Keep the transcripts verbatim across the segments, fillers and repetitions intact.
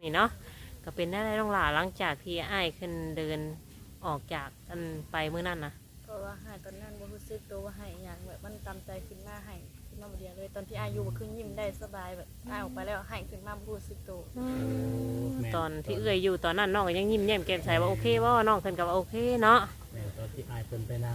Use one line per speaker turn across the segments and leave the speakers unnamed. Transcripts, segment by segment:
นี่เนาะก็เป็นได้ต้องหล่าหลังจากที่อ้ายขึ้นเดินออกจากกันไปเมื่อนั้นนะ
เพราะว่าหายตอนนั้นบ่รู้สึกตัวว่าหายอย่างแบบมันตามใจขึ้นมาหายขึ้นมาบ่เดียวเลยตอนที่อายุบ่ขึ้นยิ้มได้สบายแบบอายออกไปแล้วหายขึ้นมาบ่รู้สึกตัว
ตอนที่เอื้อยอยู่ตอนนั้นน้องก็ยังยิ้มแย้มแก้มใสว่าโอเคว่าน้องขึ้นกับว่าโอเคเนาะ
ตอนที่อ้ายเพิ่นไปนั่ง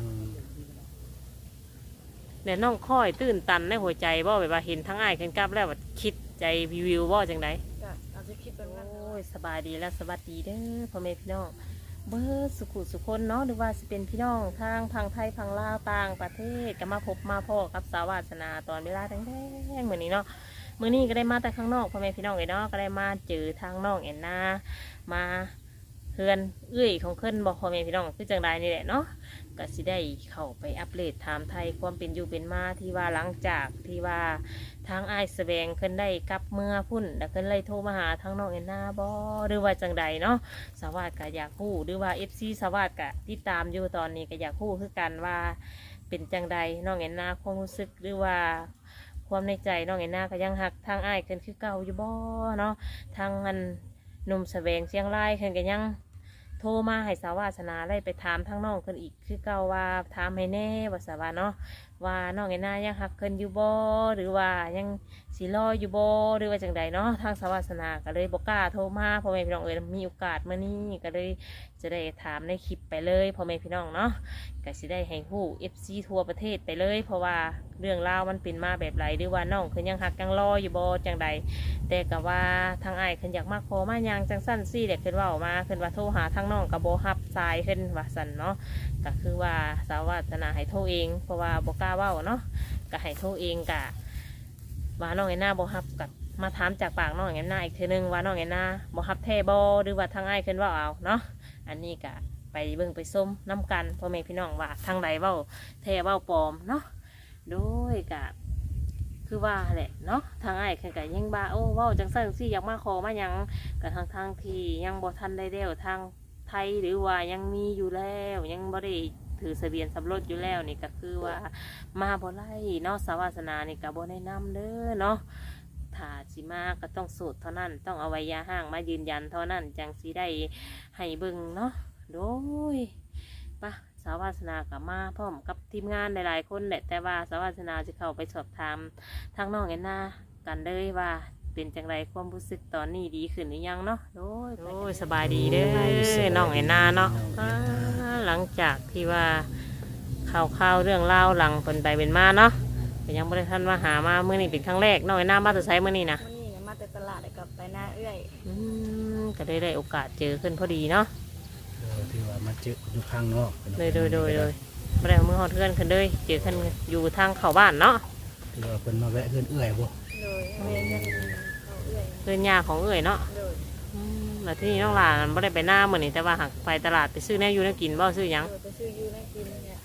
แต่น้องค่อยตื่นตันในหัวใจว่าแบบว่าเห็นทั้งอ้ายขึ้นกับแล้วแบบคิดใจวิวว่าจังได
ก็อาจจะคิดแบบนั้น
โอ้ยสบายดีและสวัสดีเด้อพ่อแม่พี่น้องเบิร์สุขุสุคนเนาะหรือว่าจะเป็นพี่น้องทางพังไทยพังลาวต่างประเทศก็มาพบมาพ่อกับสาวาสนาตอนเวลาแดงๆเหมือนนี้เนาะเมื่อนี้ก็ได้มาแต่ข้างนอกพ่อแม่พี่น้องเลยเนาะก็ได้มาเจอทางน้องแอนนามาเพื่อนเอื้อยของเพื่อนบอกพ่อแม่พี่น้องคือจังใดนี่แหละเนาะก็สิได้เข้าไปอัปเดตถามไทยความเป็นอยู่เป็นมาที่ว่าหลังจากที่ว่าทางไอ้แสดงขึ้นได้กลับเมื่อพุ่นแล้วขึ้นเลยโทรมาหาทางน้องแอนนาบอหรือว่าจังใดเนาะสวัสดิ์ก็อยากพูดหรือว่าเอฟซีสวัสดิ์ก็ติดตามอยู่ตอนนี้ก็อยากพูดคือกันว่าเป็นจังใดน้องแอนนาความรู้สึกหรือว่าความในใจน้องแอนนาก็ยังหักทางไอ้ขึ้นคือเก่าอยู่บ่เนาะทางมันหนุ่มแสดงเชียงรายขึ้นก็ยังโทรมาให้สาวาสนาได้ไปถามทางน้องคนอีกคือเก่าว่าถามให้แน่ว่าสาวาเนาะว่าน้องแอนนายังหักเคินอยู่บ่หรือว่ายังสีรออยู่บ่หรือว่าจังใดเนาะทางสาวาสนาก็เลยบอกกล้าโทรมาพ่อแม่พี่น้องเอ๋ยมีโอกาสมานี่ก็เลยจะได้ถามในคลิปไปเลยพ่อแม่พี่น้องเนาะก็สิได้ให้ฮู้ เอฟ ซี ทั่วประเทศไปเลยเพราะว่าเรื่องราวมันเป็นมาแบบไรหรือว่าน้องเคินยังหักยังรออยู่บ่จังใดแต่ก็ว่าทางไอ้เคินอยากมาขอมายังจังสั้นซี่เด็กเคินว่าออกมาเคินว่าโทรหาทางน้องกับโบฮับสายเคินว่าสันเนาะก็คือว่าสาวาสนาให้โทรเองเพราะว่าโบกล้าเว้าเนาะก็ให้โทรเองกะว่าน้องแอนนาโบฮับกับมาถามจากปากน้องแอนนาอีกทีนึงว่าน้องแอนนาโบฮับแท้บอหรือว่าทางไอ้เคินว่าเอาเนาะอันนี้กะไปเบิ่งไปส้มน้ำกันพ่อแม่พี่น้องว่าทางใดเว้าแท้เว้าปลอมเนาะโดยกะคือว่าแหละเนาะทางไอ้เคินกะยังบ้าโอ้เว้าจังซั่นสิอยากมาขอมายังกับทางทางที่ยังบ่ทันได้เด้วทางไทยหรือว่ายังมีอยู่แล้วยังบ่ได้ถือทะเบียนสมรสอยู่แล้วนี่ก็คือว่ามาบ่ไล่เนาะสาวาสนานี่ก็บ่แนะนำเด้อเนาะถ้าสิมาก็ต้องสูตรเท่านั้นต้องเอาไว้ยาห้างมายืนยันเท่านั้นจังสิได้ให้เบิ่งเนาะโดยปะสาวาสนากับมาพร้อมกับทีมงานหลายๆคนแหละแต่ว่าสาวาสนาจะเข้าไปสอบถามทางน้องแอนนากันเลยว่าเป็นจังไรความรู้สึกตอนนี้ดีขึ้นหรือยังเนาะโดยโอ้ยสบายดีเด้อน้องแอนนาเนาะหลังจากที่ว่าข่าวข่าวเรื่องเล่าหลังเป็นไปเป็นมาเนาะแต่ยังไม่ได้ท่านมาหามาเมื่อนี้เป็นครั้งแรกน้องแอนนามาจะใช้เมื่อนี้นะ
มื้อนี้เนี่ยมาแต่ตลาดแล้วก็ไปหน้าเอื้อย
อืมก็ได้ได้โอกาสเจอขึ้นพอดีเนาะ
ที่ว่ามาเจออยู่ข้างนอก
โดยโดยโดยโดยไม่ได้เมื่อหอดเพื่อนขึ้นเลยเจอขึ้นอยู่ทางเข้าบ้านเนาะ
ที่ว่าเพิ่นมาแวะเพื่อนเอื้อยบ่
โดยเรียนกันเขาเอื้อย
เพื่อนยาของเอ๋ยเนาะ
โดย
แล้วที่นี่น้องหลานไม่ได้ไปหน้าเหมือนนี่แต่ว่าหักไปตลาดไปซื้อแน่อยู่แน่กินบ่ซื้อยัง
ไปซื้อยูน่ากินเนี่ย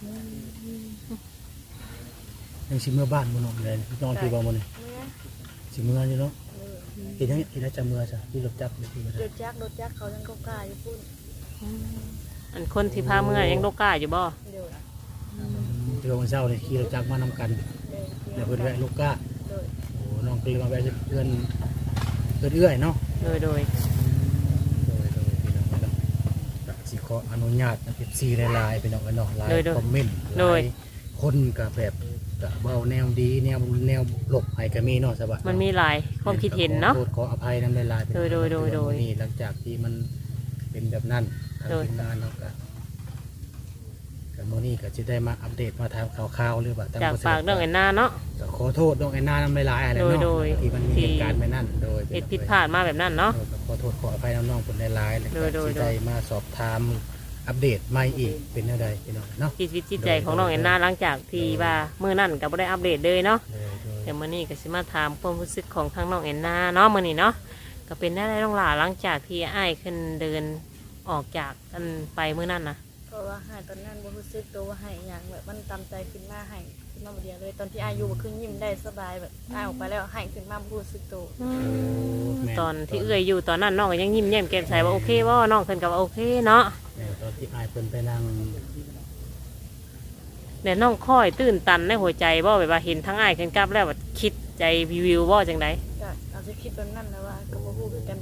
ยังสิเมื่อบ้านบ่น้องเลยน้องที่บ่มื้อนี้สิเมื่ออยู่เนาะเฮ็ดจังเฮ็ดได้จังเมื่อจ้ะที่รถจักรนี่คือร
ถจักรรถจักรเขายังก็กล้าอยู่พุ่น
อันคนที่พาเมื่อยังโลกล้าอยู่บ่
เดี๋ยว
ที่ว่าวันเช้านี่ขี่รถจักรมานำกันเดี๋ยวเพิ่นแวะลูกก้าโอ้น้องก็เลยมาแวะเพื่อนเพื่อนเอื้อยเนาะ
โดยโดย
โดยโดยพี่น้องเนาะสิขออนุญาตนะ เอฟ ซี หลายๆพี่น้องเนาะหลายคอมเมนต์หลายคนก็แบบก็เว้าแนวดีแนวแนวลบให้ก็มีเนาะสบาย
มันมีหลายความคิดเห็นเนาะ
ขอโทษขออภัยนำหลายๆ
โดยโดยโดยโดย
นี่หลังจากที่มันเป็นแบบนั้นทางทีมงานเนาะก็มื้อนี้ก็จะได้มาอัปเดตมาถามข่าวๆหรือว่า
จากฝากน้องแอนนาเนาะ
ก็ขอโทษน้องแอนนานำหลายๆอะไรเนาะที่มันมีเหตุการณ์แบบนั้นโดย
เหตุผิดพลาดมาแบบนั้นเนาะ
ขอโทษขออภัยน้องๆคนหลายๆเลยที่ได้มาสอบถามอัปเดตใหม่อีกเป็นอะไรพี่น้องเนาะ
จิตวิจิตใจของน้องแอนนาหลังจากที่ว่ามื้อนั้นก็บ่ได้อัปเดตเลยเนาะแต่มื้อนี้ก็สิมาถามความรู้สึกของทางน้องแอนนาเนาะมื้อนี้เนาะก็เป็นได้ต้องหล่าหลังจากที่อ้ายขึ้นเดินออกจากกันไปมื้อนั้นนะ
เพราะว่าหายตอนนั้นบ่รู้สึกตัวว่าหายอย่างแบบมันตามใจขึ้นมาหายขึ้นมาบ่เดียวเลยตอนที่อายุบ่ขึ้นยิ้มได้สบายแบบอายออกไปแล้วหายขึ้นมาบ่รู้สึกตัว
ตอนที่เอื้อยอยู่ตอนนั้นน้องก็ยังยิ้มแย้มแก้มใสว่าโอเคว่าน้องขึ้นกับว่าโอเคเนาะ
ตอนที่อ้ายเพิ่นไปนั่ง
แต่น้องค่อยตื่นตันในหัวใจว่าแบบว่าเห็นทั้งอ้ายขึ้นกับแล้วแบบคิดใจวิวว่าจังได
ก็อาจจะคิดแบบนั้นนะว่าก็บ่ฮู้คือกันแบบมันต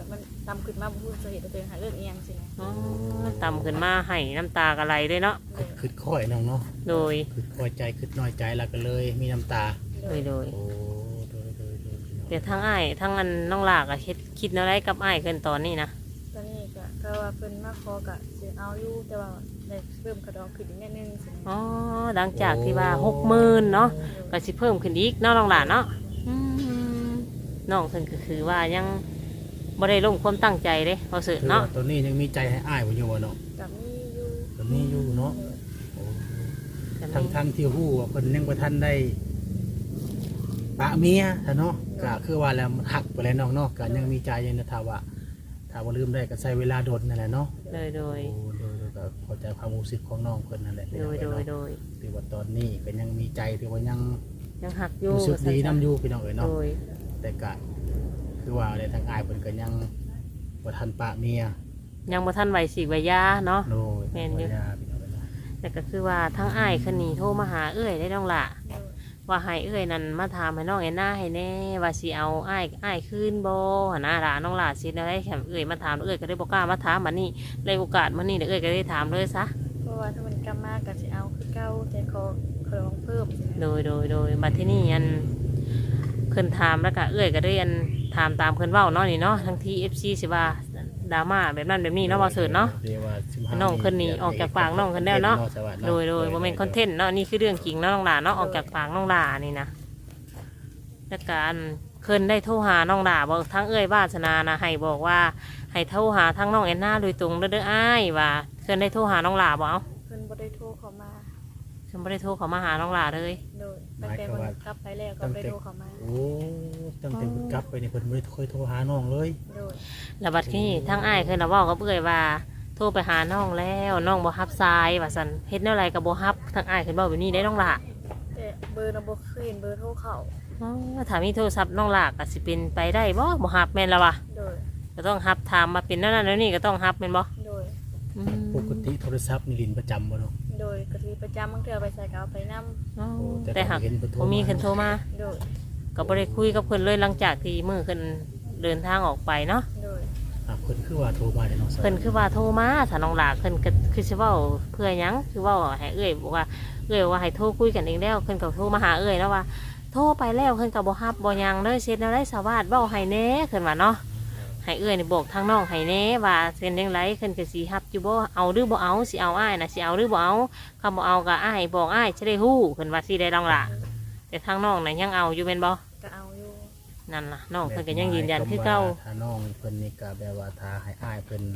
ตำขึ้นมาบ่ฮู้สาเหตุว่าตัวเองหาเรื่องอีหยังสินะ
อ๋อต่ำขึ้นมาให้น้ำตากระไหลด้วยเนาะ
โดย
คือค่อยน้องเนาะ
โดย
คือค่อยใจคือน้อยใจแล้วก็เลยมีน้ำตา
โด
โด
ย
ยโดย
โอ้โดยโดยโดยพี่น้อง
แต่ทั้งอ้ายทั้งอันน้องหลากอะคิดคิดอะไรกับอ้ายเกินตอนนี้นะ
ตอนนี้ก็ก็ว่าเพิ่นมาขอก็สิเอาอยู่แต่ว่าได้เพิ่มกระดองขึ้นอีกนิดนึงสินะ
อ๋อหลังจากที่ว่าหกหมื่นเนาะก็สิเพิ่มขึ้นอีกเนาะน้องหลานเนาะอืมน้องเพิ่นก็คือว่ายังบ่ได้ลงความตั้งใจเด้พอสึ
คือ
เนาะ
ว่าตัวนี้ยังมีใจให้อ้ายบ่อยู่บ่เนาะ
ก็มีอยู่
ตัวนี้อยู่เนาะ
โดย
โอ้
แต่
ทั้งทั้งที่ฮู้ว่าเพิ่นยังบ่ทันได้ปะเมียซะเนาะก็คือว่าแล้วมันหักไปแล้วน้องเนาะก็ยังมีใจอยู่นะถ้าว่าถ้าว่าลืมได้ก็ใช้เวลาโดนนั่นแหละเนาะ
โดยโดย
โอ้โดยโดยก็เข้าใจความรู้สึกของน้องเพิ่นนั่นแหละ
โดยโดยโดย
ถือว่าตอนนี้ก็ยังมีใจถือว่ายัง
ยังหักอยู่
รู้สึกดีน้ำอยู่พี่น้องเอ๋ย
โด
เนาะ
ย
แต่ก็คือว่าในทางอายเพิ่นก็ยังบ่ทันปะเมีย
ยังบ่ทันไหวสีไหวยาเนาะ
โดย
แม่นอยู่
บ่ยาพี่น้องเอ๋ยเนาะ
แต่ก็คือว่าทั้งอ้ายคนนี้โทรมาหาเอื้อยได้น้องละ
โดย
ว่าให้เอื้อยนั่นมาถามให้น้องแอนนาให้แน่ว่าสิเอาอ้ายอ้ายคืนบ่หนน้าหลานน้องหลานสิได้แถมเอื้อยมาถามเอื้อยก็ได้บ่กล้ามาถามบัดนี้เลยโอกาสมื้อนี้เดี๋ยวเอื้อยก็ได้ถามเลยซะ
เพราะว่าถ้ามันกลับมาก็สิเอาคือเก่าแต่ขอกระดองเพิ่มสินะ
โดยโดยโดยบัดที่นี่อันเพิ่นถามแล้วก็เอื้อยก็ได้อันถามตามเพิ่นเว้าเนาะนี่เนาะทั้งที่ เอฟ ซี สิว่าดราม่าแบบนั้นแบบนี้เนาะบ่เสิร์ชเนาะ
ดี๋ยวว่าสิบห้า
น้องเพิ่นนี่ออกจากปากน้องเพิ่นแล้วเนาะ
สวัส
โดยโดยบ่แม่นคอนเทนต์เนาะนี่คือเรื่องจริงเนาะน้องหลานเนาะออกจากปากน้องหลานี่นะแล้วการเพิ่นได้โทรหาน้องหลาบอกทั้งเอ้ยวาสนานะให้บอกว่าให้โทรหาทั้งน้องแอนนาโดยตรงเด้อเด้ออ้ายว่าเพิ่นได้โทรหาน้องหลาบ่เอา
เพิ่นบ่ได้โทรเข้ามา
เพิ่นบ่ได้โทรเข้ามาหาน้องหลาเลย
โดยตั้งแต่เพิ่นกลับไปแล้วก็บ่ได้โทรเข้ามา
โอ้ตั้งแต่เพิ่นกลับไปนี่เพิ่นบ่ได้เคยโทรหาน้องเลย
โดย
แล้วบัดนี้ทั้งอ้ายเพิ่นน่ะเว้ากับเอ้ยว่าโทรไปหาน้องแล้วน้องบ่รับสายว่าซั่นเฮ็ดแนวใดก็บ่รับทั้งอ้ายเพิ่นเว้าแบบนี้ได้น้องหลา
แต่เบอร์น่ะบ่เคยเห็นเบอร์โทรเข้า
อ๋อถ้ามีโทรศัพท์น้องหลาก็สิเป็นไปได้บ่บ่รับแม่นแล้ววะ
โดย
ก็ต้องรับถามมาเป็นนั่นนั่นแล้วนี่ก็ต้องรับแม่นบ่
โดย
อืม
ปกติโทรศัพท์นี่ลินประจำบ่เนาะ
โดยก็สิประจำบางเทื่อไปใส่ก็เอาไปนํ
อ๋อ
โอ้
แต่หาก
เห็นเพิ่นโทร
บ่มีคนโทรมา
โดย
ก็บ่ได้คุยกับเพิ่นเลยหลังจากที่มื้อเพิ่นเดินทางออกไปเนาะ
โดย
อ่ะเพิ่นคือว่าโทรมาแต่น้องสวัส
เพิ่นคือว่าโทรมาถ้าน้องหลาเพิ่นก็คือสิเว้าเพื่อหยังคือเว้าให้เอ้ยบอกว่าเอ้ยว่าให้โทรคุยกันเองแล้วเพิ่นก็โทรมาหาเอ้ยแล้วว่า โทรไปแล้วเพิ่นก็บ่รับบ่หยังเลยเฮ็ดแนวใดสาวาสเว้าให้แหน่เพิ่นว่าเนาะให้เอ้ยนี่บอกทางน้องให้แหน่ว่าเป็นจังไดเพิ่นก็สิรับอยู่บ่เอาหรือบ่เอาสิเอาอ้ายน่ะสิเอาหรือบ่เอาคำบ่เอาก็อ้ายบอกอ้ายจะได้ฮู้เพิ่นว่าสิได้น้องหลาแต่ทางน้องน่ะยังเอาอยู่แม่นบ่
ก็เอาอยู่
นั่นล่ะน้องเพิ่นก็ยังยืนยันคือเก่า
ถ้าน้องเพิ่นนี่ก็แบบว่าถ้าให้อ้ายเพิ่น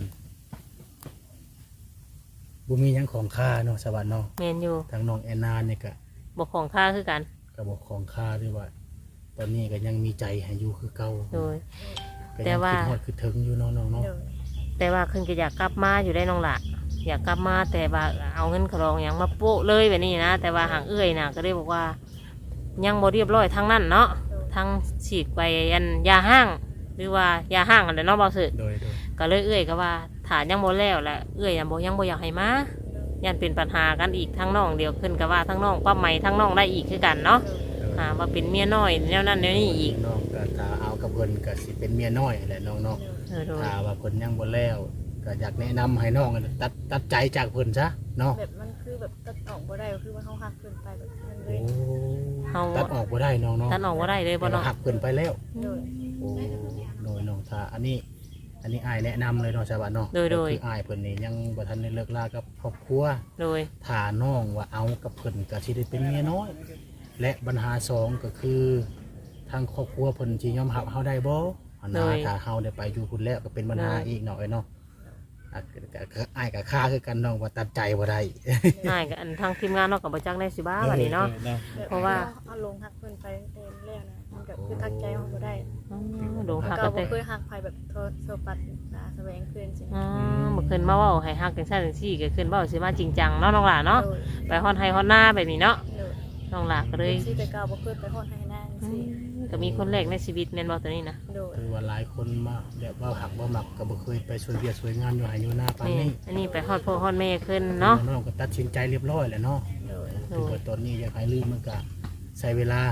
บ่มีหยังของค่าเนาะสวัสดีเนาะ
แม่นอยู่
ทางน้องแอนนาเนี่ยก็
บ่ของค่าคือกัน
ก็บอกของค่าด้วยว่า ตอนนี้ก็ยังมีใจให้อยู่คือเก่า
โดย
ก็
แต่
ยัง
ว่า
คิดฮอดคือถึงอยู่เนาะน้องเนาะ
โดย
แต่ว่าเพิ่นก็อยากกลับมาอยู่ได้น้องละอยากกลับมาแต่ว่าเอาเงินขรองอย่างมาโปะเลยแบบนี้นะแต่ว่าหางเอื้อยน่ะก็เลยบอกว่า ยังบ่เรียบร้อยทางนั้นเนาะ
โดย
ทางฉีกไปยันยาห้าง หรือว่ายาห้างอันเดเนาะบ่สึก
โดยโดย
ก็เลยเอื้อยก็ว่าฐานยังบ่แล้วแหละเอื้อยยังบ่ยังบ่อยากให้มายันเป็นปัญหากันอีกทั้งน้องเดียวขึ้นก็ว่าทั้งน้องป้าใหม่ทั้งน้องได้อีกคือกันเนาะ
โดย
โดย
อ่าว่าเป็นเมียน้อยแนวนั้นแนวนี้อีก
น้องก็ถ้าเอากับเพิ่นก็สิเป็นเมียน้อยแหละน้องเนาะ
เออโดย
ถ้าว่าเพิ่นยังบ่แล้วก็อยากแนะนำให้น้องตัดตัดใจจากเพิ่นซะเนาะ
แบบมันคือแบบตัดออกบ่ได้ก็คือว่าเฮาหักเกินไปแบบนั้นเล
โอ้
ย
เฮา
ตัดออกบ่ได้น้องเนาะ
ท่านออกบ่ได้เลยบ่
แต่ว่า
เนาะ
หักเพิ่นไปแล้ว
โดย
โอ้โดยน้องถ้าอันนี้ อันนี้อายแนะนำเลยเนาะสวัสดีเนาะ
โดยโดย
ก็คืออายเพิ่นนี่ยังบ่ทันได้เลิกลากับครอบครัว
โดย
ถ้าน้องว่าเอากับเพิ่นก็สิได้เป็นเมียน้อย และปัญหาสองก็คือทางครอบครัวเพิ่นสิยอมรับเฮาได้บ่อันนะถ้าเฮาได้ไปอยู่พุ่นแล้วก็เป็นปัญหาอีกเนาะไอ้เนาะอ่ะก็ก็อ้ายก็ค่าคือกันน้องว่าตัดใจบ่ได้
ง่ายกับอันทางทีมงานเนาะกับบ่จักได้สิบ้าบัดนี้เนาะ
แบบ
เพราะว่า
เอาลงหักเพิ่นไปเต็มแล้วนะมันก็คือทักใจเฮาบ่ได้
อ๋อโดนหัก
ก็
กัน
บ่
เต้
เคยหักไผแบบโทษโซปัดนะแสวงคืนสิ
อ๋อเมื่อคืนมาเว่าให้ฮักจังซั่นจังซี่ก็คืนเว้าสิมาจริงจังเนาะน้องหลาเนาะ
โดย
ไปฮอดไห้ฮอดหน้าแบบนี้เนาะ
โดย
น้องหลาก็เลย
สิแต่เก่าบ่เคยไปฮอดให้นาง
อื
สิ
มก็มีคนแรกในชีวิตแม่นบ่ตัวนี้นะ
โดย
คือว่าหลายคนมาแบบว่าหักบ่มักก็บ่เคยไปช่วยเวียกช่วยงานอยู่ให้อยู่หน้าปาน
นี่
นี้
อันนี้ไปฮอดพ่อฮอดแม่ขึ้นเนาะ
น้องก็ตัดสินใจเรียบร้อยแล้วเนาะ
โดย
คือว่าตอนนี้อยากให้ลืมมันก็ใช้เวลา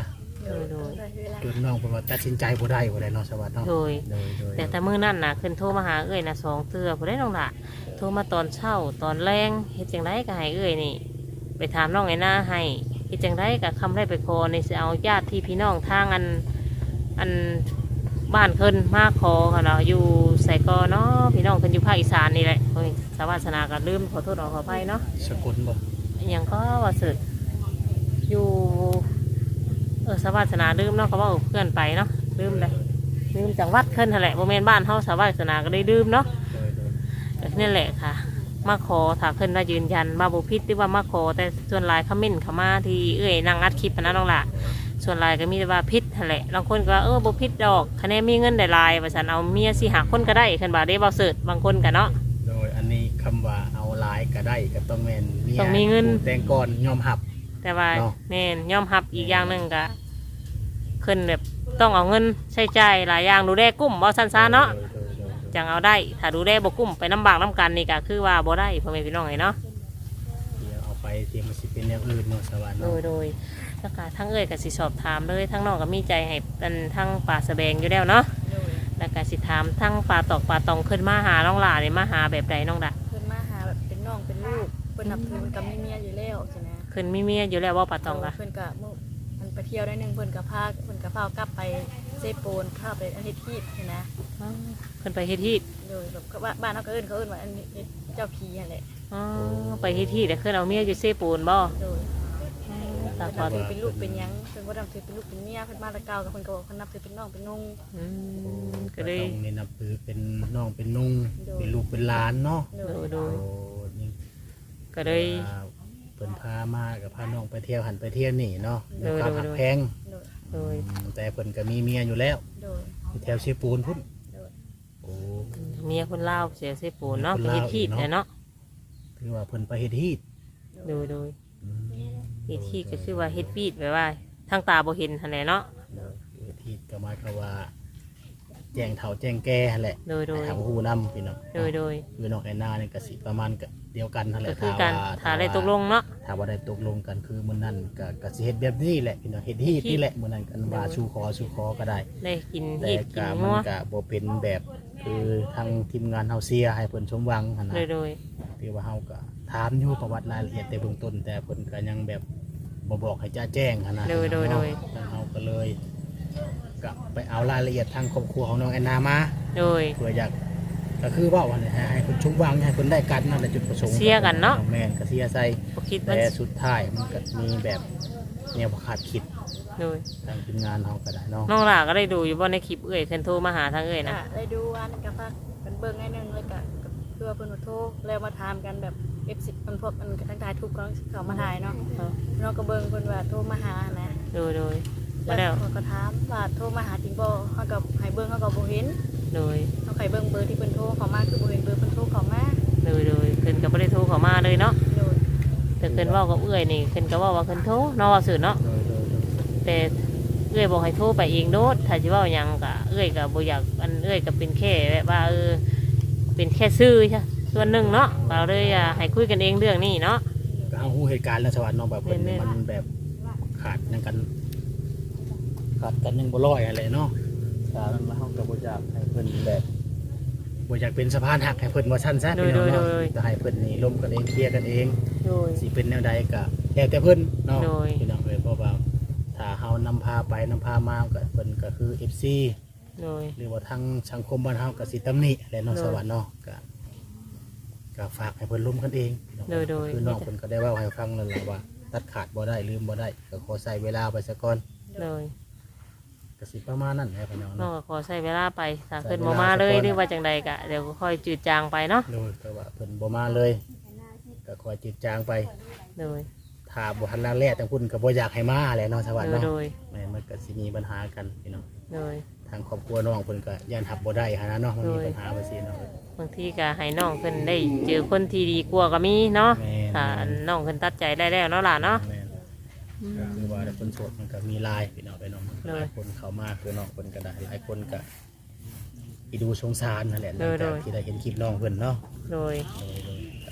โดยโดยเวลา
จนน้องเพิ่นว่าตัดสินใจบ่ได้บ่ได้เนาะสวัสดิ์เนาะ
โดย
โดยโดย
แต่แต่มื้อนั้นน่ะขึ้นโทรมาหาเอ้ยน่ะสองเทื่อบ่ได้น้องล่ะโทรมาตอนเช้าตอนแรงเฮ็ดจังไดก็ให้เอ้ยนี่ ไปถามน้องไอ้หน้าให้เฮ็ดจังไดก็คำได้ไปขอในสิเอาญาติที่พี่น้องทางอันอันบ้านเพิ่นมาขอค่ะเนาะอยู่ไสกอเนาะพี่น้องเพิ่นอยู่ภาคอีสานนี่แหละโอ้ยสาวาสนาก็ลืมขอโทษขออภัยเนาะ
สกุลบ่
อหยังก็ว่าสึกอยู่เออสาวาสนาลืมเนาะก็เว่าเพื่อนไปเนาะลืมเลยลืมจังหวัดเพิ่นนั่นแหละบ่แม่นบ้านเฮาสาวาสนาก็ได้ลืมเนาะ
โดยโดย
ก็นี่แหละค่ะ มาขอถ้าเพิ่นมายืนยันมาบ่ผิดหรือว่ามาขอแต่ส่วนหลายคอมเมนต์เข้ามาที่เอ้ยนั่งอัดคลิปนะน้องล่ะส่วนหลายก็มีแต่ว่าผิดนั่นแหละบางคนก็ว่าเออบ่ผิดดอกคะแนนมีเงินได้หลายว่าซั่นเอาเมียสิหาคนก็ได้คันว่าได้เว้าเสิร์ชบางคนก็เนาะ
โดยอันนี้คำว่าเอาหลายก็ได้ก็ต้องแม่นเมีย
ต้องมีเงิน
ผู้แต่งก่อนยอมรับ
แต่ว่า
เนาะ
แม่นยอมรับอีกอย่างหนึงก็ขึ้นแบบต้องเอาเงินใช้จ่ายหลายอย่างดูแลกุ้มบ่ซั่นซะเนาะ
โดยโดยโดย
จังเอาได้ถ้าดูแลบ่กุ้มไปน้ำบากน้ำกันนี่ก็คือว่าบ่ได้พ่อแม่พี่น้องไงเนาะ
เดี๋ยวเอาไปเตรียมมันสิเป็นแนวอื่นเนาะสวัสดิ์
โด
เนาะ
ยโดยแล้วก็ทั้งเอ่ยก็สิสอบถามเลยทั้งน้องก็มีใจให้เป็นทั้งป่าสะแบงอยู่แล้วเนาะ
โดย
แล้วก็สิถามทั้งป่าตอกป่าตองขึ้นมาหาน้องหลาเนี่ยมาหาแบบใดน้องดะ
เพิ่นมาหาแบบเป็นน้องเป็นลูกเพิ่นนับถือมันกับมีเมียอยู่แล้วใช่ไหม
ขึ้นมีเมียอยู่แล้วว่าป่าตองกะ
เพิ่นก็มื้อมันไปเที่ยวได้หนึงเพิ่นก็พาเพิ่นก็พากลับไปเซโปนพาไปอาทิตย์ที่ใช่ไหม
อ๋อขึ้นไปเฮ็ดที่
โดยแบบว่าบ้านเขาก็เอิ้นเขาเอิ้นว่าอันนี้เจ้าผีนั่นแหละ
อ๋อไปเฮ็ดที่แต่ขึ้นเอาเมียอยู่เซปูนบ่
โดย
ตา
เพิ่น
พอ
นับถือเป็นลูกเป็นหยังเพิ่นบ่นับถือเป็นลูกเป็นเมียเพิ่นมาแตะเก่ากับเพิ่นก็บอกเพิ่นนับถือเป็นน้องเป็นนุ่ง
อืมก็
ก็
เลย
ต้องนี่นับถือเป็นน้องเป็นนุ่ง
โดย
เป็นลูกเป็นหลานเนาะ
โด
โด
ย
ยโด
โอ้
ย
นี่
ก็เลย
ว่าเพิ่นพามากับพาน้องไปเที่ยวหันไปเที่ยวนี่เนาะ
โด
ด้วย
ย
ความ
โดย
หักแพง
โดย
โดย
อืมแต่เพิ่นก็มีเมียอยู่แล้ว
โดย
อยู่แถวเชียปูนพุ่น
โดย
โอ้
เมียคนลาวเสียเซปูนเนาะ
เมี
ไป
ยคนลาว
เฮ็ดที่
อีกเนาะ
แต่เนาะ
ถือว่าเพิ่นไปเฮ็ดฮีด
โดยโดย
อืม
เฮ็ดที่ก็คือว่าเฮ็ดวีดแบบว่าทางตาบ่เห็นหั่นแหละเนาะ
โดยเฮ็ดฮีดก็หมายความว่า แจ้งเฒ่าแจ้งแก่หั่นแหละ
โดยโดย
ให้ทางผู้นำพี่น้อง
โดยโดย
คือน้องแอนนาเนี่ยก็สิประมาณก็เดียวกันนั่นแห
ก็
ละ
คือการ
ว่
ถ้าได้ตกลงเนาะ
ถ้าว่าได้ตกลงกันคือมื้อนั้นก็ก็สิเฮ็ดแบบนี้แหละพี่น้องเฮ็ดฮีดนี่แหละมื้อนั้นกันว่าสู่ขอสู่ขอก็ได้
ได้กิน
แต่
เห็ดกิ
ก็
น
มั
งั
น
ว
ก็บ่เป็นแบบคือทางทีมงานเฮาเสียให้เพิ่นสมหวังหั่น
โด
นะ
ยโดย
ที่ว่าเฮาก็ถามอยู่ประวัติรายละเอียดแต่เบื้องต้น แต่เพิ่นก็ยังแบบบ่บอกให้จ้าแจ้งหั่นนะ
โดยโดยโดย
ทางเฮาก็เลยก็ไปเอารายละเอียดทางครอบครัวของน้องแอนนามา
โดย
เพื่ออยากก็คือเว่าว่าเนี่ยให้เพิ่นสมหวังให้เพิ่นได้กันนั่นแหละจุดประสงค์
เสียกันเนาะ
แม่นก็เสียใส่
บ่คิดว่า
แต่สุดท้ายมันก็มีแบบแนวบ่คาดคิด
โดย
ทางทีมงานเฮาก็ได้เนาะ
น้องหล่าก็ได้ดูอยู่บ่ในคลิปเอ้ยเพิ่นโทรมาหาทางเอ้ยนะ
อ่ะได้ดูอันก็พักกันเบิ่งให้หนึงแล้วก็ก็คือว่าเพิ่นมาโทรแล้วมาถามกันแบบ เอฟ สิบ มันพวกมันก็ทั้งทายทุกข์ก็เขามาถ่ายเนาะเราก็เบิ่งเพิ่นว่าโทรมาหานะ
โดยโดยมา
แล้
แล้ว ว
เขาก็ถามว่าโทรมาหาจริงบ่เฮาก็ให้เบิ่งเฮาก็บ่เห็น
โดย
เฮาไขเบิ่งเบอร์ที่เพิ่นโทรเข้ามาคือบ่เห็นเบอร์เพิ่นโทรเข้ามา
โดยโดยเพิ่นก็บ่ได้โทรเข้ามาเลยเนาะ
โดย
แต่เพิ่นเว้ากับเอ้ยนี่เพิ่นก็เว้าว่าเพิ่นโทรเนาะว่าซื่อเนาะ
โดยโดยโดย
แต่เอ้ยบอกให้โทรไปเองโดดถ้าสิเว้าหยังก็เอ้ยก็บ่อยากอันเอ้ยก็เป็นแค่แบบว่าเออเป็นแค่ซื่อใช่ส่วนหนึ่งเนาะเราเลยอ่ะให้คุยกันเองเรื่องนี้เนาะ
ก็เฮาฮู้เหตุการณ์แล้วสวัสดิ์เนาะแบบเพิ่น
แม่นๆ
มันแบบขาดหยังกันขาดกันยังบ่ร้อยอะไรเนาะตามันมาเฮาก็บ่อยากให้เพิ่นแบบบ่อยากเป็นสะพานหักให้เพิ่นว่าซั่นซะพี่น้องเนาะจะให้เพิ่นนี่ร่วมกันเองเคลียร์กันเอง
โดย
สิเป็นแนวใดก็แล้วแต่เพิ่นเนาะ
โดย
พี่น้องเอ้ยเพราะว่าถ้าเฮานำพาไปนำพามาก็เพิ่นก็คือ เอฟ ซี
โดย
หรือว่าทางสังคมบ้านเฮาก็สิตำหนิแหละเนาะ
โดย
สวัสดิ์เนาะก็ก็ฝากให้เพิ่นร่วมกันเองพี่น้อง
โดยโดย
คือน้องเพิ่นก็ได้เว้าให้ฟังนั่นแหละว่า ตัดขาดบ่ได้ลืมบ่ได้ก็ขอใส่เวลาไปซะก่อน
โดย
ก็สิประมาณนั้นแหละพี่น้อง
น้อง
เนาะ
ก็ขอใช้เวลาไปถ้า
ใช้
เพิ่น
เวลา
บ่มาเลย
สักก่อน
หรือว่าจังใดก็เดี๋ยวก็ค่อยจืดจางไปเนาะ
โดยก็ว่าเพิ่นบ่มาเลยก็ขอจิตจางไป
โดย
ถ้าบ่ทันแล้วแลทั้งพุ่นก็บ่อยากให้มาแหละเนาะสวัสดิ์
โดย
เนาะ
โดย
แม่นมันก็สิมีปัญหากันพี่น้อง
โดย
ทางครอบครัวน้องเพิ่นก็ย่านหับบ่ได้หันนะเนาะมันมี
โดย
ปัญหาว่าซี่เนาะ
บางทีก็ให้น้องเพิ่นได้เจอคนที่ดีกว่าก็มีเนาะ
แม่น
ถ้าน้องเพิ่นตัดใจได้แล้วเนาะล่ะเนาะ
แม่นก็คือว่าคนโสดมันก็มีหลายพี่น้องไปน้อง
โดย
หลายคนเข้ามาคือน้องเพิ่นก็ได้หลายคนก็อีดูสงสารนั่นแหละห
โด
ลัง
ยโด
จาก
ย
ที่ได้เห็นคลิปน้องเพิ่นเนาะ
โดย
โดยโดยก็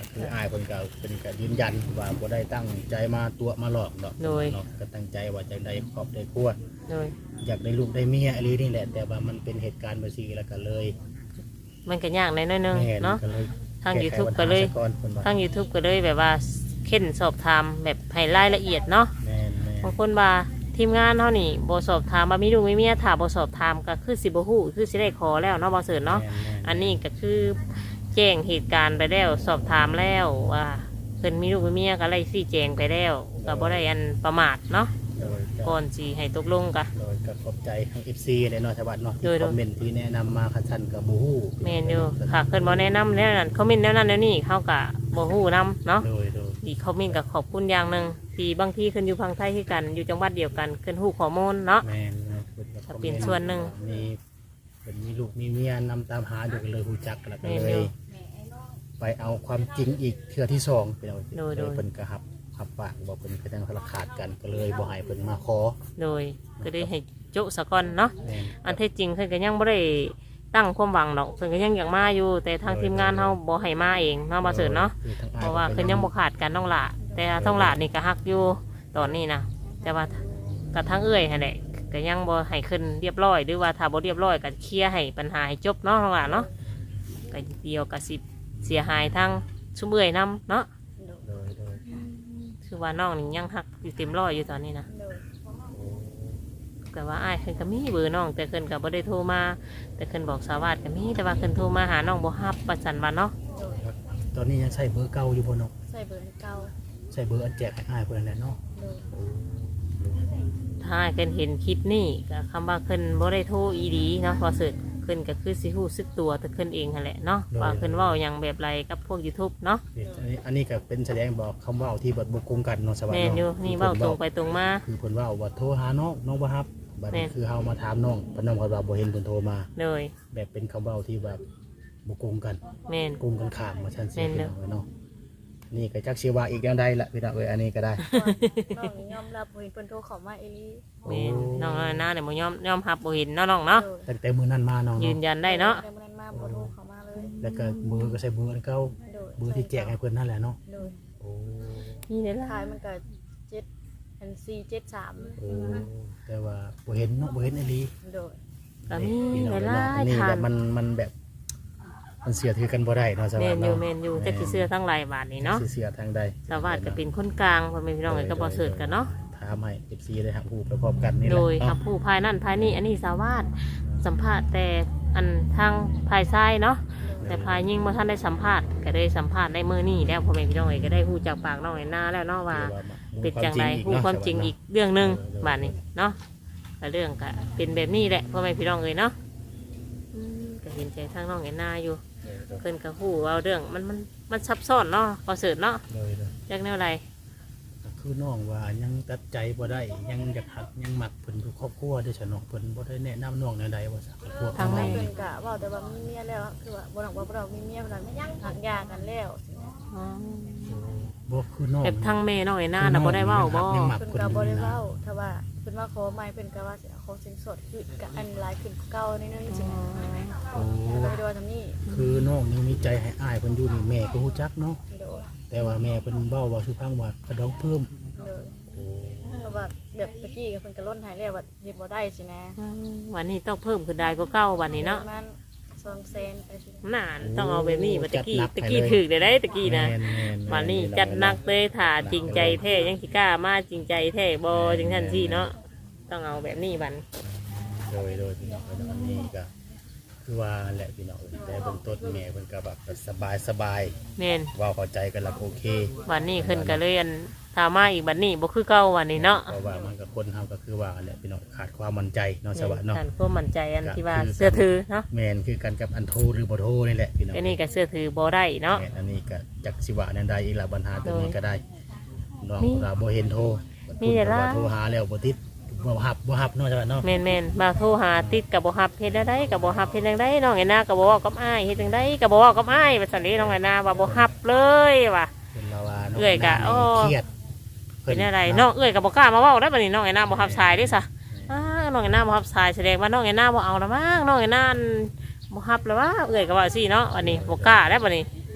คืออายเพิ่นก็เป็นก็ยืนยันว่าบ่ได้ตั้งใจมาตัวมาหลอกดอก
โดย
เนาะก็ตั้งใจว่าจะได้ครอบได้ครัว
โดย
อยากได้ลูกได้เมียอะไรนี่แหละแต่ว่ามันเป็นเหตุการณ์แบบนี้แล้วก็เลย
มันก็ยากหน่อยๆนึง
แม่
เนาะ
ก็เลย
ทาง
แก้ไข
YouTube
ปัญหา
ก็เลย
ซะก่อนเพิ่นว่า
ทาง YouTube ก็เลยแบบว่าเค้นสอบถามแบบให้รายละเอียดเนาะ
แม่นแม่น
บางคนว่าทีมงานเฮานี่บ่สอบถามว่ามีลูกมีเมียถ้าบ่สอบถามก็คือสิบ่ฮู้คือสิได้ขอแล้วเนาะบ่เสิร์ชเนาะ
แม่แม่
อันนี้ก็คือแจ้งเหตุการณ์ไปแล้วสอบถามแล้วว่าเพิ่นมีลูกมีเมียก็ไล่ซี่แจงไปแล้วก็บ่ได้อันประมาทเนาะ
โดยก็
ก่อนสิให้ตกลงกะ
โดยก็ขอบใจทาง เอฟ ซี เลยเนาะชาวบ้านเนาะที่
โดยโด
ค
ย
อมเมนต์ที่แนะนำมาคันชันกับบูฮู้
แม่นอยู่ค่ะเพิ่นบ่แนะนำแนวนั้นคอมเมนต์แนวนั้นแนวนี้เฮาก็บ่ฮู้นํเนาะ
โดยโดย
อีกคอมเมนต์ก็ขอบคุณอย่างหนึงที่บางทีเพิ่นอยู่พังไทยคือกันอยู่จังหวัดเดียวกันเพิ่นฮู้ข้อมูลเนาะ
แม่นแม่นพิ่ก็
ถ้าเป็นส่วนหนึ่ง
มีเป็นมีลูกมีเมียนำตามหาอยู่กันเลยฮู้จักแล้วก็
แม่น
เล
อยู่
ย ไปเอาความจริงอีกเทื่อที่สองเป็นเอา
โดยโดย
เพิ่นก็หับหับปากบอกเพิ่นก็จังคละขาดกันก็เลยบ่ให้เพิ่นมาขอ
โดยก็ได้ให้โจะสะก่อนเนาะ
แม่น
อันที่จริงเพิ่นก็ยังบ่ได้ตั้งความหวังดอกเพิ่นก็ยังอยากมาอยู่ แต่ทางทีมงานเฮาบ่ให้มาเองเนาะบ่เสิร์ชเนาะ
คือทงอ้ย
เพราะว่าเพิ่นยังบ่ขาดกันน้องหละแต่ท้องหละนี่ก็ฮักอยู่ตอนนี้นะแต่ว่ากับทางเอื้อยหั่นแหละก็ยังบ่ให้ขึ้นเรียบร้อยหรือว่าถ้าบ่เรียบร้อยก็เคลียร์ให้ปัญหาให้จบเนาะท้องหละเนาะก็เดียวก็สิเสียหายทางชุมเอื้อยนํเนาะ
โดยโดย
คือว่าน้องนี่ยังฮักอยู่เต็มร้อยอยู่ตอนนี้นะ
โดย
โอ้
แต่ว่าอ้ายเพิ่นก็มีเบอร์น้องแต่เพิ่นก็บ่ได้โทรมาแต่เพิ่นบอกสาวาสก็มีแต่ว่าเพิ่นโทรมาหาน้องบ่รับประจันว่าเนาะ
โดย
ตอนนี้ยังใช้เบอร์เก่าอยู่บ่เนาะ
ใส่เบอร์เก่า
ใช้เบอร์อันแจกให้อ้ายเพิ่นนั่นแหละเนาะ
โดย
โอ้
ถ้าอ้ายเพิ่นเห็นคลิปนี้ก็คำว่าเพิ่นบ่ได้โทรอีดีเนาะพอเสิร์ชเพิ่นก็คือสิฮู้สึกตัวแต่เพิ่นเองนั่นแหละเนาะว่าเพิ่นเว้าหยังแบบไรกับพวก YouTube เนาะ
นี่อันนี้อันนี้ก็เป็นแสดงบอกคำเว่าที่บทบุกงกันเนาะสวัส
แม่
ดี
นอยู่นี่เว้าตรงไปตรงมา
คือเพิ่นเว่าว่าโทรหาน้องน้องบ่รับบัด
แม่
นี้
น
คือเฮามาถามน้องเพิ่นน้องก็ว่าบ่เห็นเพิ่นโทรมา
เลย
แบบเป็นคำเว้าที่แบบบุกงกัน
แม่น
โกงกันข้ามมาชั้น
แม่
สี่
นเด้
พี่
อ
น้องเอ้ยเนาะนี่ก็จักสิว่าอีกแนวใดล่ะพี่น้องเอ้ยอันนี้ก็ได้
น้องยอมรับบ่เห็นเพิ่นโทรเข้ามาเอหลี
แม่นน้องน้อยหน้าเนี่ยบ่ยอมยอมรับบ่เห็นเนาะน้องเนาะ
โดย
ตั้งแต่มื้อนั้นมาน้อง
ยื
เนาะ
นยันได้เนาะ
แต่มื้อนั้นมาบ่โทรเข้ามาเลย
แล้วก็มือก็ใช้เบอร์อันเก่า
โดย
เบอร์ที่แจกให้เพิ่นนั่นแหละเนาะ
โดย
โอ้
นี่เด้อ
ท้า
ล่ะ
ยมันก็เจ็ดอันสี่เจ็ดสาม
โอ้แต่ว่าบ่เห็นเนาะบ่เห็นอีหลี
โดย
ก็มี
พี่น้อง
ห
เอ้ย
ลา
เนาะ
ย
นี่
ๆทา
แบ
ง
บมันมันแบบ มันเสียถือกันบ่ได้เนาะสวัส
แม่
ดี
นอยู่
เนาะ
แม่นอยู่แต่สิเสื้อทั้งหลายบาทนี่เนาะ
สิเสียทางใด
สาวาสก็เป็นคนกลางพ่อแม่พี่น้องเอ้ยก็บ่เสิร์ชกันเนาะ
ถามให้ เอฟ ซี ได้หักหูไปพร้อมกันนี่แห
โด
ละ
ย
เนาะ
กับผู้ภายนั่นภายนี่อันนี้สาวาสสัมภาษณ์แต่อันทางภายซ้ายเนาะแต่ภายยิ่งเมื่อท่านได้สัมภาษณ์ก็ได้สัมภาษณ์ได้เมื่อนี่แล้วพ่อแม่พี่น้องเอ๋ยก็ได้พูดจากปากน้องไอ้หน้าแล้วเนาะว่าเป็นจังไรพูดความจริงอีกเรื่องหนึ่งบาดนี้เนาะก็เรื่องก็เป็นแบบนี้แหละพ่อแม่พี่น้องเอ๋ยเนาะอืมก็เห็นใจทางน้องไอ้หน้าอยู่เพิ่นก็พูดเอาเรื่องมันมันมันซับซ้อนเนาะพอเสิร์ชเนาะ
เลยเลย
จักแนวไร
ก็คือน้องว่ายังตัดใจบ่ได้ยังอยากหักยังหมักเพิ่นคือครอบครัวเด้อฉะเนาะเพิ่นบ่ได้แนะนำน้องแนวใดว่าสักครอบครัวของน้อง
เพิ่
นี่
นก็เว้าแต่ว่ามีเมียแล้วคือว่าบ่ต้องว่าเรามีเมียเพิ่นว่าหักยากันแล้ว
อ๋อ
บ่คือน้อง
แบบทางแม่น้องไอ้หน้าน่ะบ่ได้เว้าบ่
ยังหมัก
เพิ่น
เพิ่น
ก็บ่ได้
นะ
เว้าถ้าว่าเพิ่นมาขอใหม่เพิ่นก็ว่าสิเอาขอสินสดคือก็อันหลายขึ้นกว่าเก่านิดนึงสินะ
โอ้
ก็เลยว่าทำนี่
คือน้องยังมีใจให้อ้ายเพิ่นอยู่นี่แม่ก็ฮู้จักเนาะ
โดย
แต่ว่าแม่เพิ่นเว้าว่าสุพังว่ากระดองเพิ่ม
โดย
โอ้
เพราะว่าแบบตะกี้ก็เพิ่นก็ล้นหายแล้วว่าเฮ็ดบ่ได้สินะ
อืมวันนี้ต้องเพิ่มขึ้นได้ก็เก้าวันนี้เนาะ
ประมาณสองแสนไปสิ
น่าต้องเอาแบบนี้มาตะกี้ตะกี้ถึกได้ได้ตะกี้นะ
แม่แม่แ
วันนี้จัดหนักเลยถ่าจริงใจแท้ยังสิกล้ามาจริงใจแท้บอจังท่านที่เนาะต้องเอาแบบนี้บัน
โดยโดยพี่น้องเอ้ยเนาะอันนี้ก็คือว่าแหละพี่น้องเอ้ยแต่เบื้องต้นแม่เพิ่นก็แบบสบายสบาย
แมน
เว้าเข้าใจกันแล้วก็โอเค
วันนี้ขึ้นก็เลยอันถามมาอีกบันนี้บ่คือเก่าวันนี้เนาะ
เพราะว่ามันก็คนเฮาก็คือว่าแหละพี่น้องขาดความมั่นใจเนาะสวัสดีเนาะ
ท่านก็มั่นใจอันที่ว่าเสื้อถือเนาะ
แม่นคือกันกับอันโทรหรือบ่โทรนี่แหละพี่น้อง
อันนี้ก็เสื้อถือบ่ได้เนาะ
แม่นอันนี้ก็จักสิว่าแนวใดอีกละปัญหาตัวนี้ก็ได้น้อง
มี
เราบ่เห็นโทร
มีแต่ละ
ว่าโทรหาแล้วบ่ติดบ่ฮับบ่ฮับเนาะสวัสดีเนาะ
แมนแมนมาโทรหาติดกับบ่ฮับเฮ็ดได้กับบ่ฮับเฮ็ดจังไดน้องไอ้นากับบ่เว้ากับอ้ายเฮ็ดจังไดกับบ่เว้ากับอ้ายว่าซั่นนี้น้องไอ้นาว่าบ่ฮับเลยว่ะ
เป็นลาวาน้ง
เอื้อยกะ
น้ำ
โอ้
เครียด
เป็นอะไรน้องเอ้ยกับบ่กล้ามาเว้าได้บัดนี้น้องไอ้นาบ่ฮับสายเด้ซะอ้าน้องไอ้นาบ่ฮับสายแสดงว่าน้องไอ้นาบ่เอาละมั้งน้องไอ้นาบ่ฮับแล้วว่าเอ้ยก็ว่าซี่เนาะวันนี้บ่กล้าแล้วบัดนี้บัด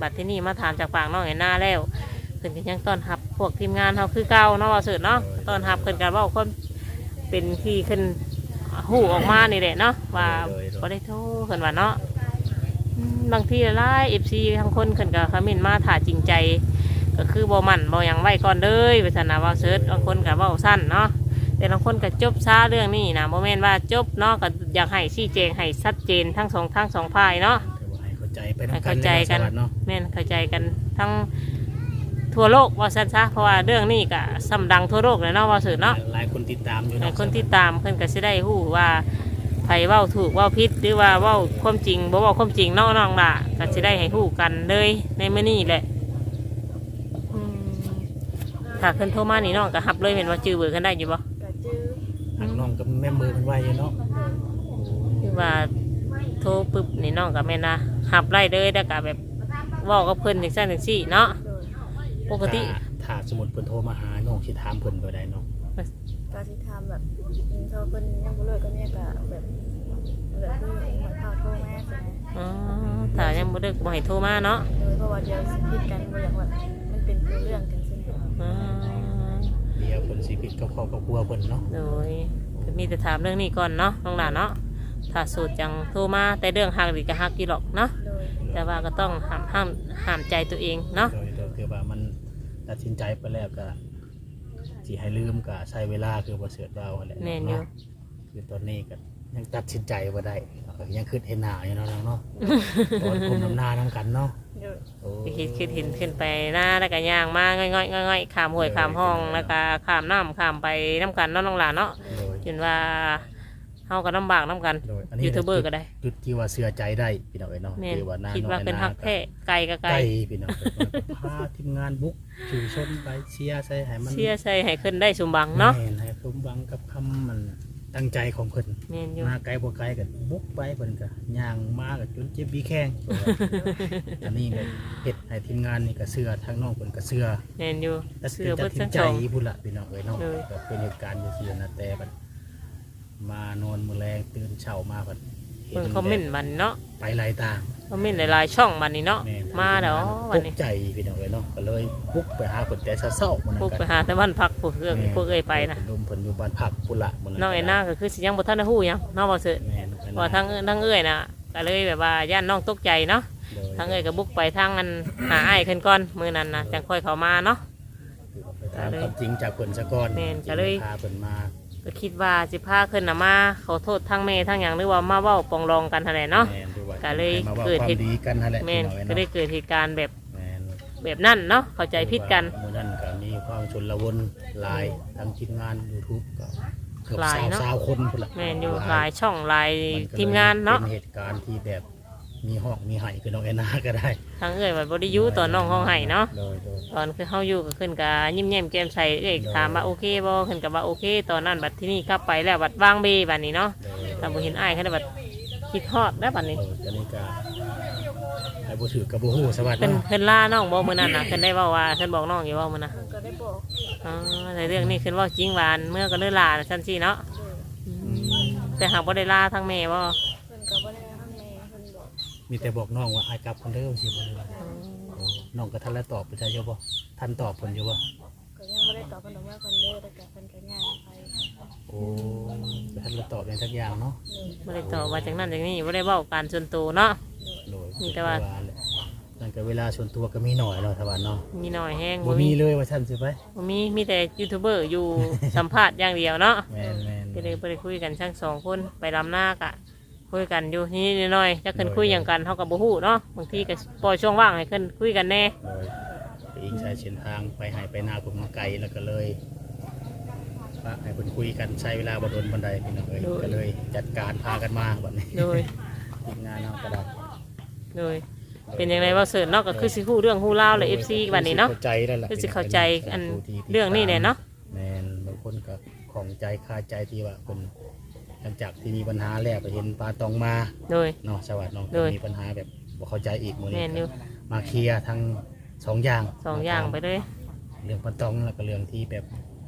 บัดที่นี่มาถามจากปากน้องไอ้หน้าแล้วเพิ่นก็ยังต้อนรับพวกทีมงานเฮาคือเก่าเนาะว่าเสิร์ชเนาะต้อนรับเพิ่นกันเว้าคนเป็นที่ขึ้นหูออกมานี่แหละเนาะว่าบ่ได้โทษเพิ่นว่าเนาะอืมบางทีหลาย เอฟ ซี ทั้งคนเพิ่นก็คอมเมนต์มาถ้าจริงใจก็คือบ่มั่นบ่หยังไว้ก่อนเด้อว่าซั่นน่ะว่าเสิร์ชบางคนก็เว้าสั้นเนาะแต่บางคนก็จบช้าเรื่องนี้นะบ่แม่นว่าจบเนาะก็อยากให้ชี้แจงให้ชัดเจนทั้งสองทั้งสองฝ่ายเนาะ
ให้เข้าใจไป
ให้
นำกั
เข้าน ใจกัน
เนาะ
แม่นเข้าใจกันทั้งทั่วโลกว่าซั่นซะเพราะว่าเรื่องนี้ก็ซ้ำดังทั่วโลกเลยเนาะว่าเสิร์ชเนาะ
หลายคนติดตามอยู่
หลา
เนาะ
ยคนที่ตามเพิ่นก็สิได้ฮู้ว่าไผเว้าถูกเว้าผิดหรือว่าเว้าความจริงบ่เว้าความจริงเนาะน้องล่ะก็สิได้ให้ฮู้กันเลยในมื้อนี้แหละอืมถ้าเพิ่นโทรมานี่น้องก็รับเลยแม่นว่าจื้อเบอร์กันได้อยู่บ่
ก็จื้อ
ทางน้องกับแม่มือมันไวอยู่เนาะ
คือว่าโทรปึ๊บนี่น้องก็แม่นนะรับไล่เลยแล้วก็แบบเว้ากับเพิ่นจังซั่นจังซี่เนาะ
โดย
ปกติ
ถ้าถ้าสมมุติเพิ่นโทรมาหาน้องสิถามเพิ่นบ่ได้เนาะ
ก็สิทำแบบอืมโทรเพิ่นยังบ่เลิกก็เนี่ยก็แบบแบบคือเหมือนข่าวโทรมาใช่ไหม
อ๋อถ้ายังบ่ดึกบ่ให้โทรมาเนาะ
โดยเพราะว่าเดี๋ยวสิผิดกันบ่อยากว่ามันเป็นเรื่องกันใช่ไหม
อ๋อ
เดี๋ยวเพิ่นสิผิดกับครอบครัวเพิ่นเนาะ
โดยก็มีแต่ถามเรื่องนี้ก่อนเนาะน้องหลานเนาะถ้าสูตรจังโทรมาแต่เรื่องฮักดีก็ฮักกี่หรอกเนาะ
โดย
แต่ว่าก็ต้องห้ามห้ามห้ามใจตัวเองเนาะ
โดยโดยคือว่ามันตัดสินใจไปแล้วก็สิให้ลืมก็ใช้เวลาคือบ่เสิร์ชว่าแหละ
แม่นอยู่
เนาะคือตอนนี้ก็ยังตัดสินใจบ่ได้ก็ยังคิดเห็นหน้าอยู่เนาะน้องเนาะตอนคุมน้ำหน้านํกันเนาะ
โดย
โอ้
ไปคิดคิดเห็นขึ้นไปหน้าแล้วก็ย่างมาง่อยๆง่อยๆข้ามห้วยข้ามห้องแล้วก็ข้ามน้ำข้ามไปน้ำกันเนาะน้องหลานเนาะ
โดย
จนว่าเฮาก็ลำบากน้ำกัน
โดยอันนี้
ยูทูบเบอร์ก็ได้
จุดที่ว่าเชื่อใจได้พี่น้องเอ้ยเนาะ
แม่น
ที่ว่าหน้า
คิด
น้อง
ว่าเป็นฮักแท้ไกลก็ไกล
ไก่พี่น้องเอ้ยพาทีมงานบุกชูชนไปเชียร์ใส่ให้มัน
เสียใส่ให้ขึ้นได้สมบังเนาะ
แม่ให้สมหวังกับคำมันตั้งใจของเพิ่น
แม่นอยู่
มาไกลบ่ไกลกันบุกไปเพิ่นก็ย่างมาก็จนเจ็บบีแข้ง อันนี้ก็เฮ็ดให้ทีมงานนี่ก็เชื่อทางน้องเพิ่นก็เชื่อ
แม่นอยู่
แต่
เสื้อ
ตั
เบิ
ด
ด
สิ
ทั้
น
ง
ใจ
สอง
พุ่นละพี่น้องเอ้ยเนาะ
เลย
ก็เป็นเหตุการณ์อยู่ที่นะแต่บัดมานอนมื้อแลงตื่นเช้ามาบัด
เบิ่งคอมเมนต์มันเนาะ
ไปหลายต่าง
คอมเมนต์หลายๆช่องมันนี่เนาะ
แม่
มาแล้ววัน
ต
นี้
กใจพี่น้องเอ้ยเนาะก็เลยบุกไปหาเพิ่นแต่เช้าๆมื้อนั้
พวก
น
ไปหาแต่บ้านพักพวกเอื้อพวกเอ้ยไปนะ
ลมเพิ่นอยู่บ้านพักพุ่นละมื้อนั้น
น้องไอ้หน้าก็คือสิยังบ่ทันได้ฮู้หยังน้องบ่เสิร์ช
แม่นไปนะ
ว่าทั้งทั้งเอ้ยน่ะก็เลยแบบว่าย่านน้องตกใจเนาะ
โดย
ทั้งเอ้ยก็บุกไปทางอันหาอ้ายขึ้นก่อนมื้อนั้นน่ะจังค่อยเข้ามาเนาะ
ไปถามความจริงจากเพิ่นซะก่อน
แม่นก็เลย
พาเพิ่นมา
ก็คิดว่าสิพาขึ้นน่ะมาขอโทษทั้งแม่ทั้งหยังหรือว่ามาเว้าปองรองกันหั่นแหละเนาะ
แม่นด้วยว่า
ก็เลย
ให้มาว่า
เกิด
ควา
เห
ม
ตุ
ดีกันนั่นแหละ
แม่น
พี่น้อง
ก็
เอ้ย
ได้
เนาะ
เกิดเหตุการณ์แบบ
แม่น
แบบนั้นเนาะเข้าใจผิดกัน
มื้อนั้นก็มีความชนละวนหลายทางทีมงาน YouTube ก็เกือบ
หลาย
สาว
เนาะ
สาวคนพุ่นละ
แม่นอยู่หลายช่องหลาย
มันก็เลย
ทีมงานเนาะ
เป็นเหตุการณ์ที่แบบมีห้องมีไห้คือน้องแอนนาก็ได้
ทั้งเอ้ยว่าบ่ได้อยู่ตอนน้องห้องไห้เนาะ
โดยโดย
ตอนคือเฮาอยู่ก็ขึ้นกะยิ้มแย้มแก้มใสเอ้ยถามว่าโอเคบ่ขึ้นกับว่าโอเค ตอนนั้นบัดที่นี่กลับไปแล้วบัดวางเบบัดนี้เนาะ
โดย
ถ้าบ่เห็นอ้ายเขาได้บัดคิดฮอดแล้วบัดนี้
เอออันนี้ก็ไอ้บ่ถือกับบ่ฮู้สวัสดี
เพิ่น
เนาะ
เพิ่นล่าน้องบ่มื้อนั้นน่ะเพิ่นได้เว้าว่าเพิ่นบอกน้องอยู่ว่ามื้อน่ะ
มันก็ได้บอก
อ๋อในเรื่องนี้เพิ่นเว้าจริงหวานเมื่อก็เลยลาซั่นสิเนาะ
โดย
อืมแต่หากบ่ได้ลาทั้งแม่บ่
เพิ่นก็บ่ได้ทำแม่เพิ่นบอก
มีแต่บอกน้องว่าอ้ายกลับคนเด้อสิบ่ได้ว่าน้องก็ทันแล้วตอบไปใช่บ่ทันตอบเพิ่นอยู่บ่
ก็ยังบ่ได้ตอบเพิ่นดอกว่าเพิ่นเด้อแต่ก็เพิ่นก็ย่างไป
โอ้ทันแล้วตอบอย่างสักอย่างเนาะ
บ่ได้ตอบว่าจังนั้นจังนี้บ่ได้เว้าการส่วนตัวเนาะ
โดย
มีแต่ว่า
แหละนั่นก็เวลาส่วนตัวก็มีหน่อยเนาะสวัสดีเนาะ
มีน้อยแฮง
บ่
บ่
มี
มี
เลยว่าท่านสิไป
บ่มีมีแต่ยูทูบเบอร์อยู่ สัมภาษณ์อย่างเดียวเนาะ
แม่นแม่น
ก็เลยไปคุยกันทั้งสองคนไปลำหน้ากะคุยกันอยู่นี่น้อยๆจะขึ้นคุยอย่างกันเท่ากับบูฮู้เนาะบางทีก็ปล่อยช่วงว่างให้ขึ้นคุยกันแน่
โดยไปอีกใช้เส้นทางไปให้ไปนาผมไกลแล้วก็เลยว่าให้เพิ่นคุยกันใช้เวลาบ่โดนบันไดพี่น้องเอ้ยก็เลยจัดการพากันมาแบบนี้
โดย
ทีมงานเฮาก็ได้
โดยเป็นอย่างไรว่าเสิร์ชเนาะก็คือสิฮู้เรื่องฮู้เล่าวเลยเอฟซีวันนี้เนาะ
เข้าใจแล้วล่ะ
คือสิเข้าใจอันเรื่องนี้เนี่ยเนาะ
แม่นบางคนก็ของใจคาใจที่ว่าเพิ่นหลังจากที่มีปัญหาแล้วไปเห็นปลาตองมา
โดย
เนาะสวัสดีเนาะ
โดย
มีปัญหาแบบบ่เข้าใจอีกมื้อ
แม่
นี้
นอยู่
ก็มาเคลียร์ทั้งสองอย่าง
สองอย่างไปเลย
เรื่องปลาตองแล้วก็เรื่องที่แบบ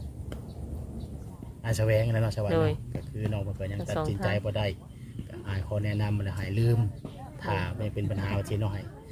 อาแสวงแล้วเนาะสวัสดี
โดย
เนาะก็คือน้องเพิ่นก็ยัง
ทั้ง
ตัด
สอง
สินใจบ่ได้ก็อายขอแนะนำแล้วหายลืมถ้าไม่เป็นปัญหาว่าสิเนาะให้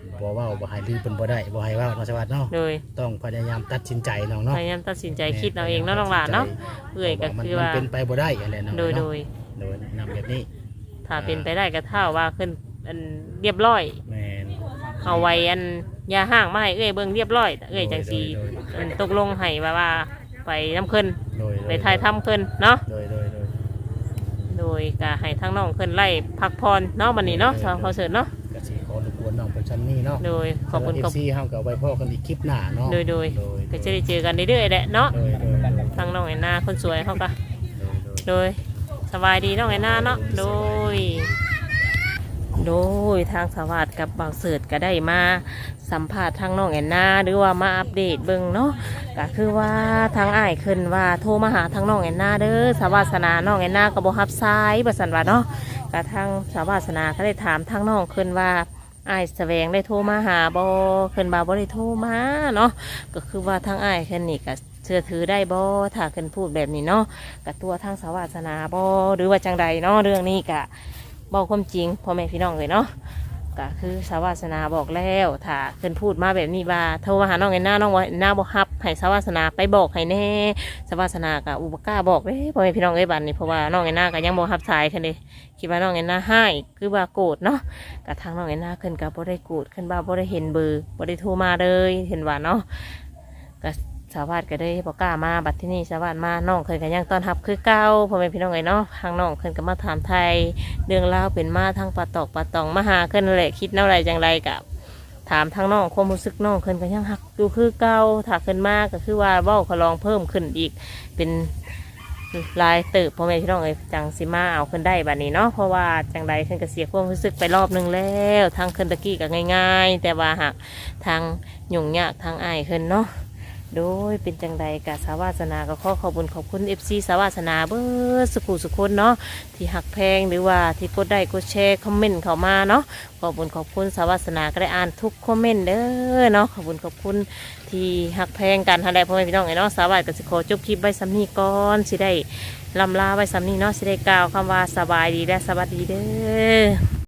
บ่เว้าบ่ให้ลือเป็นบ่ได้บ่ให้เว้าเนาะสวัสดิ์เนาะ
โดย
ต้องพยายามตัดสินใจน้องเนาะ
พยายามตัดสินใจคิดเอาเองเนาะน้องหลานเนาะเอื้อยก็คือว่า
มันเป็นไปบ่ได้อะไรเนาะ
โดยโดย
โดยนำแบบนี้
ถ้าเป็นไปได้ก็เท่าว่าขึ้นอันเรียบร้อย
แม่น
เอาไว้อันยาห่างมาให้เอ้ยเบิ่งเรียบร้อยเอ้ยจังสี
โดยโดย
มันตกลงให้ว่าว่าไปน้ำขึ้น
โดย
ไปถ่ายทำขึ้นเนาะ
โดยโดยโดย
โดยก็ให้ทั้งน้องขึ้นไล่พักพรเนาะวันนี้เนาะทางพอเสร็จเนาะ
ก็สิขอรบกวนน้องประชันนี่เนาะ
โดยขอบคุณ
เอ
ขอบ
ฟซีเฮาก็เอาไว้พ่อกันอีกคลิปหน้าเนาะ
โดยโดย
โดย
ก็จะได้เจอกันเรื่อยๆแหละเนาะ
โดยโดยโดย
ทางน้องแอนนาคนสวยเขาก็
โดย
โดยสบายดีน้องแอนนาเนาะโดย โดยทางสวัสดิ์กับบ่าวเสิร์ตก็ได้มาสัมภาษณ์ทางน้องแอนนาหรือว่ามาอัปเดตเบิ่งเนาะก็คือว่าทางอ้ายขึ้นว่าโทรมาหาทางน้องแอนนาเด้อสวัสนาน้องแอนนาก็บ่รับสายบ่ซั่นว่าเนาะก็ทางสวัสนาก็ได้ถามทางน้องขึ้นว่าอ้ายแสวงได้โทรมาหาบ่ขึ้นบ่าบ่ได้โทรมาเนาะก็คือว่าทางอ้ายขึ้นนี่ก็เชื่อถือได้บ่ถ้าขึ้นพูดแบบนี้เนาะก็ตัวทางสวัสนาบ่หรือว่าจังใดเนาะเรื่องนี้ก็บอกความจริงพ่อแม่พี่น้องเลยเนาะก็คือสาวาสนาบอกแล้วถ้าเพิ่นพูดมาแบบนี้ว่าโทรมาหาน้องไอ้หน้าน้องว่าหน้าบ่ฮับให้สาวาสนาไปบอกให้แน่สาวาสนากับอุปการบอกเด้พ่อแม่พี่น้องเอ้ยบัดนี้เพราะว่าน้องไอ้หน้าก็ยังบ่ฮับสายคันเด้คิดว่าน้องไอ้หน้าให้คือว่าโกรธเนาะก็ทางน้องไอ้หน้าขึ้นก็บ่ได้โกรธขึ้นว่าบ่ได้เห็นเบอร์บ่ได้โทรมาเลยเห็นว่าเนาะก็สาวาสก็ได้บ่กล้ามาบัดที่นี่สาวาสมาน้องเคยก็ยังต้อนรับคือเก่าพ่อแม่พี่น้องเอ้ยเนาะทางน้องขึ้นก็มาถามไทย เรื่องราวเป็นมาทั้งปลาตอกปลาตองมาหาขึ้นนั่นแหละคิดแนวไรจังไรกับถามทางน้องความรู้สึกน้องขึ้นก็ยังหักอยู่คือเก่าถ้าขึ้นมากก็คือว่าเบ้าขลองเพิ่มขึ้นอีกเป็นลายเติบพ่อแม่พี่น้องเอ้ยจังสิมาเอาขึ้นได้บัดนี้เนาะเพราะว่าจังไรขึ้นก็เสียความรู้สึกไปรอบหนึงแล้วทางขึ้นตะกี้ก็ง่ายๆ แต่ว่าหากทางยุ่งยากทางอ้ายขึ้นเนาะโดยเป็นจังใดกับสาวาสนาก็ขอขอบคุญขอบคุณเอฟซีสาวาสนาเบิร์สุขุสุคนเนาะที่หักแพงหรือว่าที่กดได้กดแชร์คอมเมนต์เข้ามาเนาะขอบคุญขอบคุณสาวาสนาก็ได้อ่านทุกคอมเมนต์เด้อเนาะขอบคุญขอบคุณที่หักแพงกันทันใดพ่อแม่พี่น้องไอ้เนาะสาวาสก็สิขอจบคลิปไว้ซ้ำนี้ก่อนสิได้ลำลาไว้ซ้ำนี้เนาะสิได้กล่าวคำว่าสบายดีและสวัสดีเด้อ